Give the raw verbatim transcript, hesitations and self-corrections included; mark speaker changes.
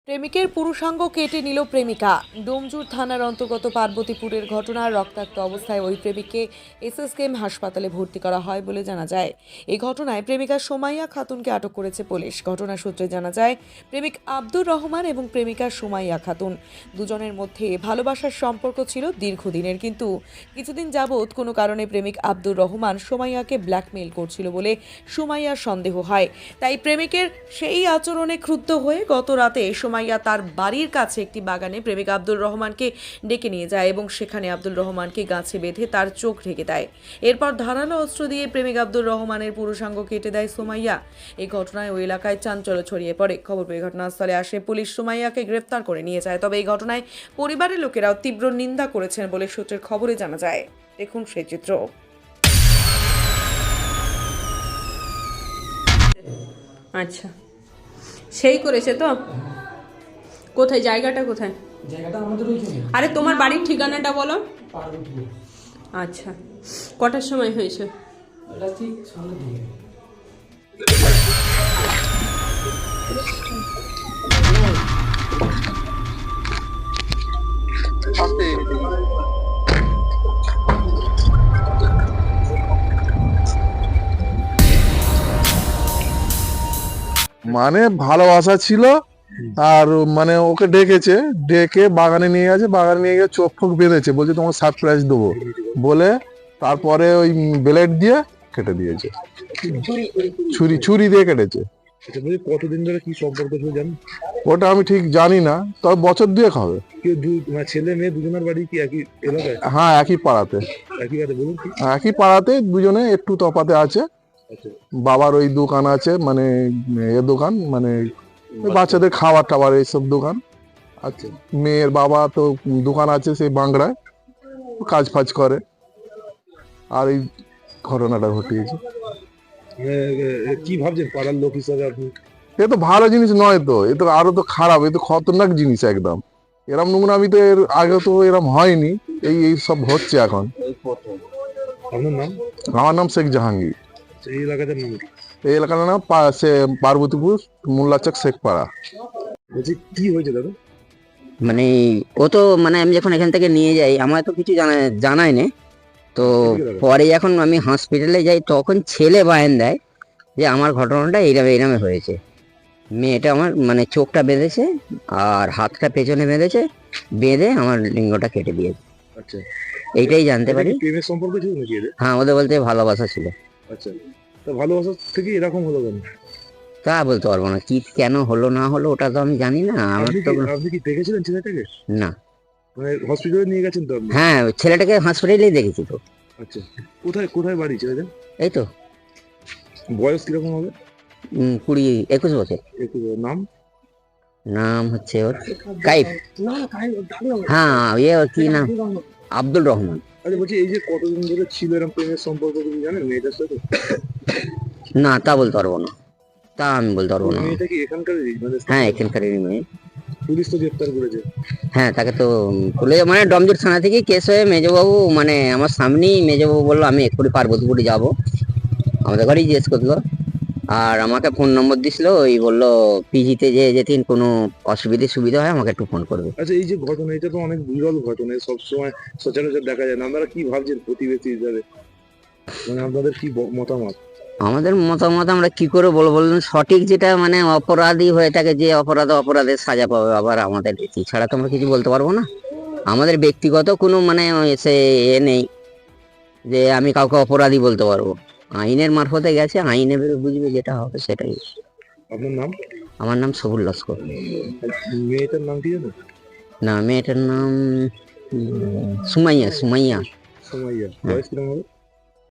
Speaker 1: প্রেমিকের পুরুষাঙ্গ কেটে নিল প্রেমিকা। ডোমজুর থানার অন্তর্গত পার্বতীপুরের ঘটনা। রক্তাক্ত অবস্থায় ওই প্রেমিককে এসএসকেএম হাসপাতালে ভর্তি করা হয় বলে জানা যায়। এই ঘটনায় প্রেমিকা সোমাইয়া খাতুনকে আটক করেছে পুলিশ। ঘটনা সূত্রে জানা যায়, প্রেমিক আব্দুর রহমান এবং প্রেমিকা সোমাইয়া খাতুন দুজনের মধ্যে ভালোবাসার সম্পর্ক ছিল দীর্ঘদিনের, কিন্তু কিছুদিন যাবৎ কোনো কারণে প্রেমিক আব্দুর রহমান সোমাইয়াকে ব্ল্যাকমেইল করছিল বলে সোমাইয়ার সন্দেহ হয়। তাই প্রেমিকের সেই আচরণে ক্রুদ্ধ হয়ে গত রাতে সোমাইয়া তার বাড়ির কাছে একটি বাগানে প্রেমিক আব্দুর রহমানকে ডেকে নিয়ে যায় এবং সেখানে আব্দুর রহমানকে গাছে বেঁধে তার চোখ ঢেকে দেয়। এরপর ধারালো অস্ত্র দিয়ে প্রেমিক আব্দুর রহমানের পুরুষাঙ্গ কেটে দেয় সোমাইয়া। এই ঘটনায় ওই এলাকায় চাঞ্চল্য ছড়িয়ে পড়ে। খবর পেয়ে ঘটনাস্থলে আসে পুলিশ, সোমাইয়াকে গ্রেফতার করে নিয়ে যায়। তবে এই ঘটনায় পরিবারের লোকেরাও তীব্র নিন্দা করেছেন বলে সূত্রের খবরে জানা যায়। দেখুন সেই চিত্র।
Speaker 2: আচ্ছা, সেই করেছে তো? কোথায় জায়গাটা কোথায়?
Speaker 3: জায়গাটা আমাদের ওইখানে।
Speaker 2: আরে তোমার বাড়ির ঠিকানাটা বলো।
Speaker 3: পার্বতীপুর।
Speaker 2: আচ্ছা, কটার সময় হয়েছে?
Speaker 3: এটা ঠিক সামনের দিকে।
Speaker 4: মানে ভালোবাসা ছিল, আর মানে ওকে ডেকেছে, ডেকে বাগানে নিয়ে গেছে, বাগানে নিয়ে গিয়ে চোখ ফোক বেঁধেছে, বলছে তোমাকে সারপ্রাইজ দেবো বলে তারপরে ওই ব্লেড দিয়ে কেটে দিয়েছে। ছুরি ছুরি দিয়ে কেটেছে।
Speaker 5: কতদিন ধরে কি সম্পর্ক ছিল জানেন?
Speaker 4: ওটা আমি ঠিক জানি না, তবে বছর দুয়েক হবে।
Speaker 5: কেউ দু- মানে ছেলে মেয়ে দুজনের বাড়ি কি একই এলাকায়?
Speaker 4: হ্যাঁ, একই পাড়াতে।
Speaker 5: একই কাছে বলুন কি?
Speaker 4: একই পাড়াতে, দুজনে একটু তফাতে আছে।
Speaker 5: আচ্ছা,
Speaker 4: বাবার ওই দোকান আছে, মানে এ দোকান, মানে ওই বাচ্চাদের খাবার টাবার এইসব দোকান।
Speaker 5: আচ্ছা।
Speaker 4: মেয়ের বাবা তো দোকান আছে সেই বাংলায়, কাজ ফাজ করে। আর এই ঘটনাটা ঘটিয়েছে।
Speaker 5: মানে, এ, কি ভাবছেন পাড়ার লোক হিসাবে আপনি?
Speaker 4: এ তো ভালো জিনিস নয় তো, এ তো আরো তো খারাপ, এ তো খতরনাক জিনিস একদম। এরম নোংরা আমি তো এর আগে তো এরম হয়নি, এই এই সব হচ্ছে এখন।
Speaker 5: আপনার নাম?
Speaker 4: আমার নাম শেখ জাহাঙ্গীর।
Speaker 5: এই এলাকাটার নাম কি?
Speaker 4: এই এলাকার নাম পা- সে- পার্বতীপুর মোল্লাচক শেখপাড়া।
Speaker 5: বলছি কি হয়েছে দাদা?
Speaker 6: মানে ও তো মানে আমি যখন এখান থেকে নিয়ে যাই আমার তো কিছু জানা জানাই না। তো পরে যখন আমি হসপিটালে যাই তখন ছেলে বায়ান দেয় যে আমার ঘটনাটা এইরকম এইরকম হয়েছে। মেয়েটা আমার মানে চোখটা বেঁধেছে আর হাতটা পেছনে বেঁধেছে, বেঁধে আমার লিঙ্গটা কেটে দিয়েছে।
Speaker 5: আচ্ছা,
Speaker 6: এইটাই জানতে
Speaker 5: এটা
Speaker 6: পারি।
Speaker 5: কি প্রেমের সম্পর্ক ছিল নাকি এদের?
Speaker 6: হ্যাঁ, ওদের বলতে ভালোবাসা ছিল।
Speaker 5: আচ্ছা, তা ভালোবাসা থেকে এরকম হলো কেন?
Speaker 6: তা বলতে পারবো না, কি কেন হলো না হলো ওটা তো আমি জানি না। আমার
Speaker 5: আপনি
Speaker 6: তো
Speaker 5: কি আপনি কি দেখেছিলেন ছেলেটাকে?
Speaker 6: না।
Speaker 5: মানে হসপিটালে নিয়ে গেছেন তো আপনি?
Speaker 6: হ্যাঁ, ছেলেটাকে হসপিটালেই দেখেছি তো।
Speaker 5: আচ্ছা, কোথায় কোথায় বাড়ি ছেলেদের?
Speaker 6: এই তো
Speaker 5: বয়স কিরকম হবে?
Speaker 6: উম, কুড়ি একুশ বছর।
Speaker 5: একটু নাম?
Speaker 6: নাম হচ্ছে ওর কাইফ। হ্যাঁ, ইয়ে ওর কি নাম, আব্দুল রহমান।
Speaker 5: আচ্ছা, বলছি এই যে কতদিন ধরে ছিল এরকম প্রেমের সম্পর্ক কিছু জানেন মেয়েটার সাথে?
Speaker 6: না, তা বলতে পারবো না, তা আমি বলতে পারবো না।
Speaker 5: মেয়েটা কি এখানকারই? মানে
Speaker 6: হ্যাঁ, এখানকারই মেয়ে।
Speaker 5: পুলিশ তো গ্রেপ্তার করেছে।
Speaker 6: হ্যাঁ, তাকে তো পুলিশ মানে ডমজুর থানা থেকে কেস হয়ে মেজবাবু মানে আমার সামনেই মেজবাবু বললো আমি এক্ষুনি পার্বতীপুরে যাবো, আমাদের ঘরেই জিজ্ঞেস করলো। আর আমাকে ফোন নম্বর দিছিল, ওই বললো পিজিতে যে যেদিন কোনো অসুবিধে সুবিধা হয় আমাকে একটু ফোন করবে।
Speaker 5: আচ্ছা, এই যে ঘটনা, এটা তো অনেক বিরল ঘটনা, সবসময় সচরাচর দেখা যায় না। আপনারা কি ভাবছেন প্রতিবেশী হিসাবে? মানে আপনাদের কি ব- মতামত?
Speaker 6: আমাদের মতামত আমরা কি করে বলবো বলুন, সঠিক যেটা মানে অপরাধী হয়ে থাকে, যে অপরাধ অপরাধের সাজা পাবে, আবার আমাদের এছাড়া তো আমরা কিছু বলতে পারবো না। আমাদের ব্যক্তিগত কোনো মানে সে এ নেই যে আমি কাউকে অপরাধী বলতে পারবো। আইনের মারফতে গেছে, আইনে বেরো বুঝবে যেটা হবে সেটাই।
Speaker 5: আপনার নাম?
Speaker 6: আমার নাম সবুল লস্কর।
Speaker 5: মেয়েটার নাম কি জানেন?
Speaker 6: না, মেয়েটার নাম উম, সুমাইয়া সুমাইয়া
Speaker 5: সোমাইয়া। বয়স কিরকম হবে?